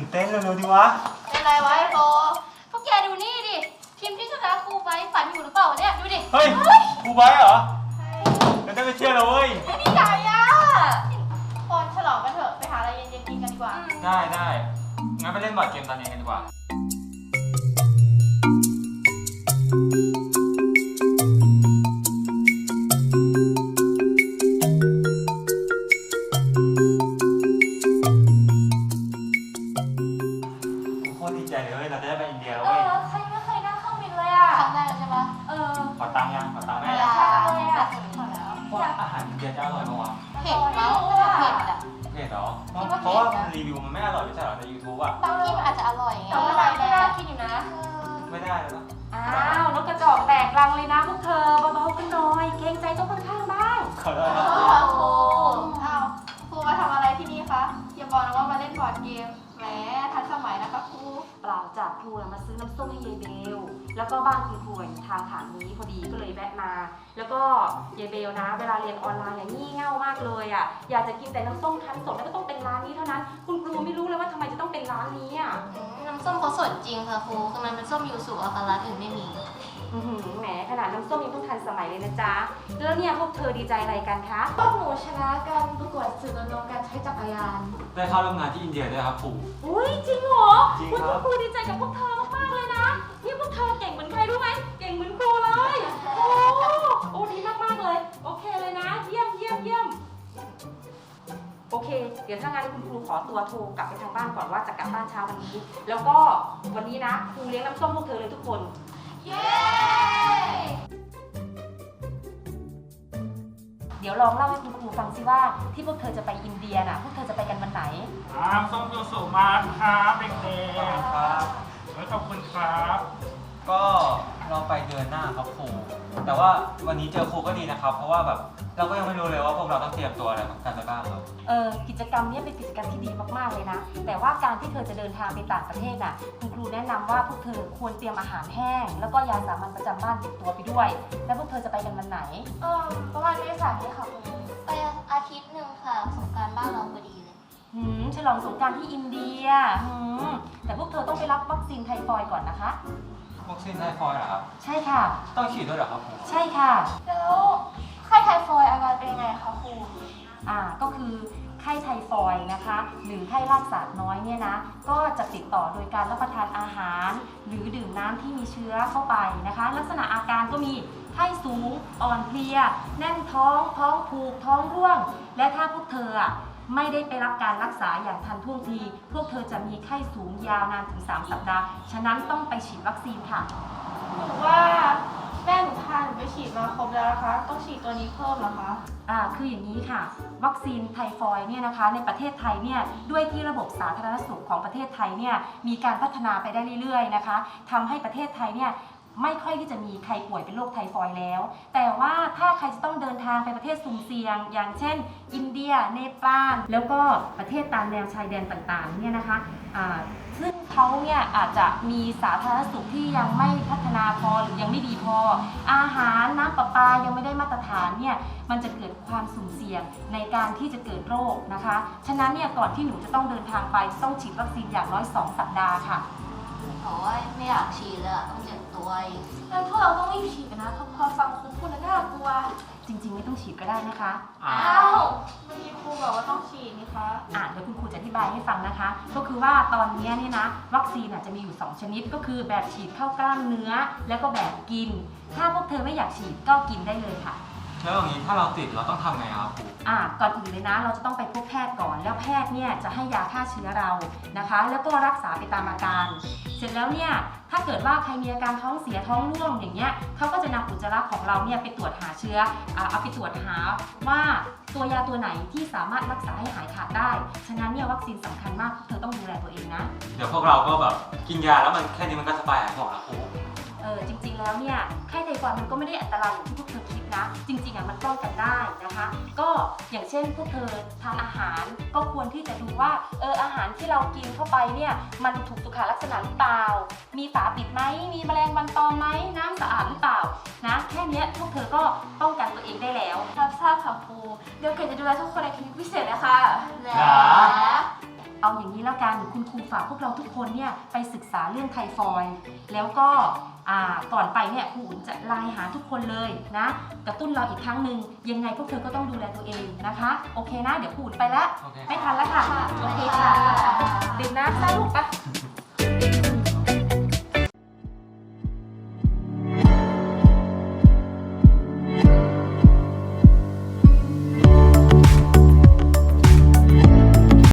เต้นเร็วๆดิวะเป็นไรวะไอ้โตพวกแกดูนี่ดิทีมที่ชนะครูไบฝันอยู่หรือเปล่าเนี่ยดูดิเฮ้ยครูไบเหรองั้นจะไปเชียร์เราเว้ยไม่ดีใจอ่ะคนฉลองกันเถอะไปหาอะไรเย็นๆกินกันดีกว่าได้งั้นไปเล่นบอร์ดเกมตอนเย็นกันดีกว่าโคตรดีใจเลยเราจะได้ไปอินเดียแล้วเว้ยใครไม่เคยนั่งเครื่องบินเลยอ่ะครั้งแรกใช่ปะขอตังค์ยังขอตังค์แม่ว่าอาหารอินเดียจะอร่อยปะวะเผ็ดมั้งเผ็ดอ่ะเผ็ดเหรอเพราะว่ารีวิวมันไม่อร่อยไม่ใช่เหรอใน YouTube อ่ะบางที่มันอาจจะอร่อยไงแต่ว่าอะไรไม่น่ากินอยู่นะไม่ได้แล้วอ้าวนกกระจอกแตกรังเลยนะพวกเธอเบาๆกันหน่อยเกรงใจเจ้าข้างๆบ้างขอโทษนะครูครูมาทำอะไรที่นี่คะอย่าบอกนะว่ามาเล่นบอร์ดเกมแหมทันสมัยนะคะครูเปล่าจากครูมาซื้อน้ำส้มให้ยายเบลแล้วก็บ้านคุณครูอยู่ทางผ่านนี้พอดีก็เลยแวะมาแล้วก็ยายเบลนะเวลาเรียนออนไลน์งี่เง่ามากเลยอ่ะอยากจะกินแต่น้ำส้มคั้นสดแล้วก็ต้องเป็นร้านนี้เท่านั้นคุณครูไม่รู้เลยว่าทำไมจะต้องเป็นร้านนี้อ่ะน้ำส้มเขาสดจริงค่ะครูคือมันเป็นส้มยูสุอะค่ะร้านอื่นไม่มีแหมขนาดน้ำส้มยังเพิ่งทันสมัยเลยนะจ๊ะแล้วเนี่ยพวกเธอดีใจอะไรกันคะพวกหนูชนะการประกวดสื่อรณรงค์การใช้จักรยานได้เข้าร่วมงานที่อินเดียด้วยครับครูอุ้ยจริงเหรอจริงครับครูดีใจกับพวกเธอมากๆเลยนะนี่พวกเธอเก่งเหมือนใครรู้ไหมเก่งเหมือนครูเลยโอ้ดีมากๆเลยโอเคเลยนะเยี่ยมโอเคเดี๋ยวถ้างั้นคุณครูขอตัวโทรกลับไปทางบ้านก่อนว่าจะกลับบ้านเช้าวันนี้แล้วก็วันนี้นะครูเลี้ยงน้ำส้มพวกเธอเลยทุกคนเย้เดี๋ยวลองเล่าให้คุณครูฟังสิว่าที่พวกเธอจะไปอินเดียน่ะพวกเธอจะไปกันวันไหนส้มยูสุมาครับเด็กๆครับขอบคุณครับก็เราไปเดือนหน้าครับครูแต่ว่าวันนี้เจอครูก็ดีนะครับเพราะว่าแบบเราก็ยังไม่รู้เลยว่าพวกเราต้องเตรียมตัวอะไรกันไปบ้างครับกิจกรรมนี้เป็นกิจกรรมที่ดีมากๆเลยนะแต่ว่าการที่เธอจะเดินทางไปต่างประเทศน่ะคุณครูแนะนำว่าพวกเธอควรเตรียมอาหารแห้งแล้วก็ยาสามัญประจำบ้านติดตัวไปด้วยแล้วพวกเธอจะไปกันวันไหนประมาณเมษายนค่ะครูไปอาทิตย์หนึ่งค่ะสงกรานต์บ้านเราพอดีเลยฉลองสงกรานต์ที่อินเดียแต่พวกเธอต้องไปรับวัคซีนไทฟอยด์ก่อนนะคะวัคซีนไทฟอยด์เหรอครับใช่ค่ะต้องฉีดด้วยเหรอครับครูใช่ค่ะแล้วไข้ไทฟอยด์อาการเป็นยังไงคะครูก็คือไข้ไทฟอยด์นะคะหรือไข้รากสาดน้อยเนี่ยนะก็จะติดต่อโดยการรับประทานอาหารหรือดื่มน้ำที่มีเชื้อเข้าไปนะคะลักษณะอาการก็มีไข้สูงอ่อนเพลียแน่นท้องผูกท้องร่วงและถ้าพวกเธอไม่ได้ไปรับการรักษาอย่างทันท่วงทีพวกเธอจะมีไข้สูงยาวนานถึง3 สัปดาห์ฉะนั้นต้องไปฉีดวัคซีนค่ะถือว่าแม่หนูทานไปฉีดมาครบแล้วนะคะต้องฉีดตัวนี้เพิ่มเหรอคะคืออย่างนี้ค่ะวัคซีนไทฟอยด์เนี่ยนะคะในประเทศไทยเนี่ยด้วยที่ระบบสาธารณสุขของประเทศไทยเนี่ยมีการพัฒนาไปได้เรื่อยๆนะคะทำให้ประเทศไทยเนี่ยไม่ค่อยที่จะมีใครป่วยเป็นโรคไทฟอยด์แล้วแต่ว่าถ้าใครจะต้องเดินทางไปประเทศสุ่มเสี่ยงอย่างเช่นอินเดียเนปาลแล้วก็ประเทศตามแนวชายแดนต่างๆเนี่ยนะคะซึ่งเขาเนี่ยอาจจะมีสาธารณสุขที่ยังไม่พัฒนาพอหรือยังไม่ดีพออาหารน้ำประปายังไม่ได้มาตรฐานเนี่ยมันจะเกิดความสุ่มเสี่ยงในการที่จะเกิดโรคนะคะฉะนั้นเนี่ยก่อนที่หนูจะต้องเดินทางไปต้องฉีดวัคซีนอย่างน้อย2 สัปดาห์ค่ะโอ้ยไม่อยากฉีดเลยต้องเจ็บตัวงั้นพวกเราต้องรีบฉีดกันนะพอฟังครูพูดแล้วน่ากลัวจริงๆไม่ต้องฉีดก็ได้นะคะเมื่อกี้ครูบอกว่าต้องฉีดนี่คะเดี๋ยวคุณครูจะอธิบายให้ฟังนะคะก็คือว่าตอนนี้เนี่ยนะวัคซีนจะมีอยู่2 ชนิดก็คือแบบฉีดเข้ากล้ามเนื้อแล้วก็แบบกินถ้าพวกเธอไม่อยากฉีดก็กินได้เลยค่ะแล้วอย่างนี้ถ้าเราติดเราต้องทำไงครับครูก่อนอื่นเลยนะเราจะต้องไปพบแพทย์ก่อนแล้วแพทย์เนี่ยจะให้ยาฆ่าเชื้อเรานะคะแล้วก็รักษาไปตามอาการเสร็จแล้วเนี่ยถ้าเกิดว่าใครมีอาการท้องเสียท้องร่วงอย่างเงี้ยเขาก็จะนำอุจจาระของเราเนี่ยไปตรวจหาเชื้อเอาไปตรวจหาว่าตัวยาตัวไหนที่สามารถรักษาให้หายขาดได้ฉะนั้นเนี่ยวัคซีนสำคัญมากเธอต้องดูแลตัวเองนะเดี๋ยวพวกเราก็แบบกินยาแล้วมันแค่นี้มันก็สบายหายห่วงแล้วครูจริงๆแล้วเนี่ยไข้ไทฟอยด์มันก็ไม่ได้อันตรายอย่างที่พวกเธอคิดนะจริงๆมันป้องกันได้นะคะก็อย่างเช่นพวกเธอทานอาหารก็ควรที่จะดูว่าอาหารที่เรากินเข้าไปเนี่ยมันถูกสุขลักษณะหรือเปล่ามีฝาปิดไหมมีแมลงวันตอมไหมน้ำสะอาดหรือเปล่านะแค่นี้พวกเธอก็ป้องกันตัวเองได้แล้วทราบค่ะครูเดี๋ยวเกดจะดูแลทุกคนในคลินิกพิเศษนะคะแล้วเอาอย่างนี้แล้วกันคุณครูฝากพวกเราทุกคนเนี่ยไปศึกษาเรื่องไทฟอยด์แล้วก็ก่อนไปเนี่ยครูอุ่นจะไลน์หาทุกคนเลยนะกระตุ้นเราอีกครั้งหนึ่งยังไงพวกเธอก็ต้องดูแลตัวเองนะคะโอเคนะเดี๋ยวครูอุ่นไปแล้วโอเคไม่ทันแล้วค่ะโอเคค่ะดื่มน้ำซะลูกไปค